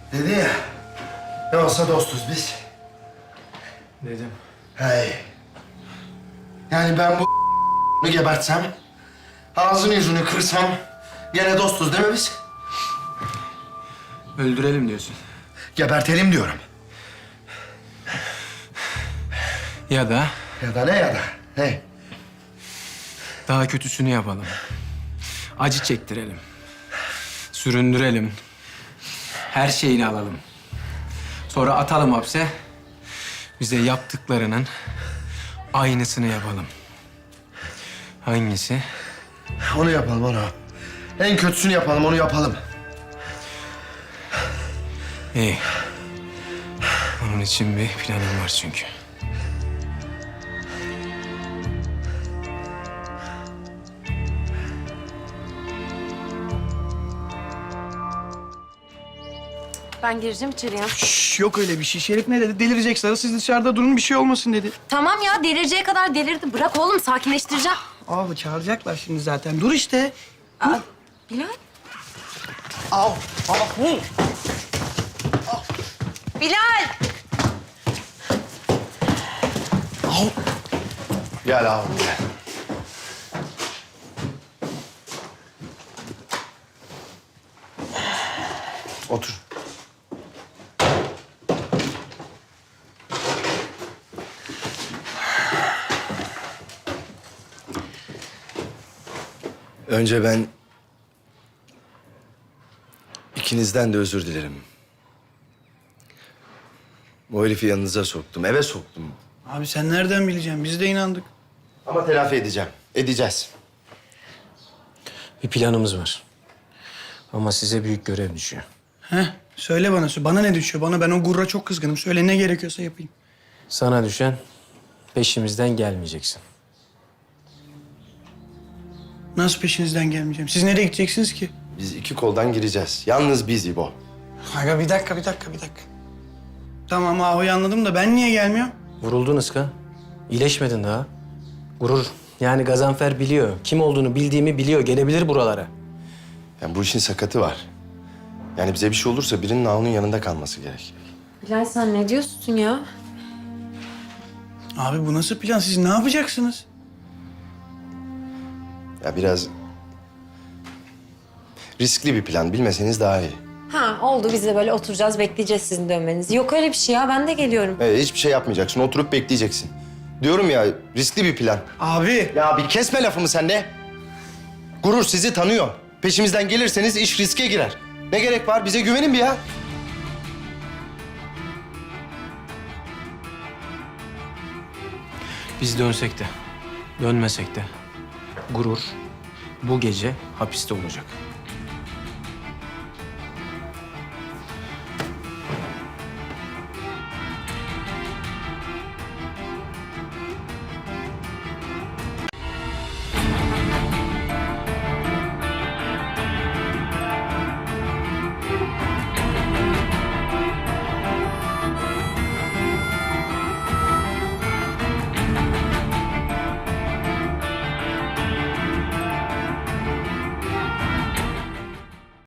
Dedi ya, ne olsa dostuz biz. Dedim. Hey. Yani ben bu gebertsem, ağzını yüzünü kırsam gene dostuz değil mi biz? Öldürelim diyorsun. Gebertelim diyorum. Ya da Ya da ne ya da. Hey. daha kötüsünü yapalım. Acı çektirelim. Süründürelim. Her şeyini alalım. Sonra atalım hapse. Bize yaptıklarının aynısını yapalım. Hangisi? Onu yapalım onu. En kötüsünü yapalım, onu yapalım. İyi. Onun için bir planım var çünkü. Ben gireceğim içeriye. Şş, yok öyle bir şey. Şerif ne dedi? Delirecek Sarı. Siz dışarıda durun, bir şey olmasın dedi. Tamam ya, delireceği kadar delirdi. Bırak oğlum, sakinleştireceğim. Abi çağıracaklar şimdi zaten. Dur işte. Aa, Bilal. Al. Bilal! Gel abi gel. Otur. Önce ben ikinizden de özür dilerim. Bu herifi yanınıza soktum, eve soktum. Abi sen nereden bileceksin? Biz de inandık. Ama telafi edeceğim, edeceğiz. Bir planımız var. Ama size büyük görev düşüyor. Heh, söyle bana. Bana ne düşüyor? Ben o gurra çok kızgınım. Söyle, ne gerekiyorsa yapayım. Sana düşen peşimizden gelmeyeceksin. Nasıl peşinizden gelmeyeceğim? Siz nereye gideceksiniz ki? Biz iki koldan gireceğiz. Yalnız biz İbo. Aga bir dakika. Tamam abi, anladım da ben niye gelmiyorum? Vuruldun Iska. İyileşmedin daha. Gurur. Yani Gazanfer biliyor. Kim olduğunu bildiğimi biliyor. Gelebilir buralara. Yani bu işin sakatı var. Yani bize bir şey olursa birinin Naun'un yanında kalması gerek. Bilal sen ne diyorsun ya? Abi bu nasıl plan? Siz ne yapacaksınız? Ya biraz riskli bir plan. Bilmeseniz daha iyi. Ha oldu, biz de böyle oturacağız, bekleyeceğiz sizin dönmenizi. Yok öyle bir şey ya, ben de geliyorum. Hiçbir şey yapmayacaksın. Oturup bekleyeceksin. Diyorum ya, riskli bir plan. Abi. Ya bir kesme lafımı sen de. Gurur sizi tanıyor. Peşimizden gelirseniz iş riske girer. Ne gerek var? Bize güvenin bir ya. Biz dönsek de, dönmesek de Gurur bu gece hapiste olacak.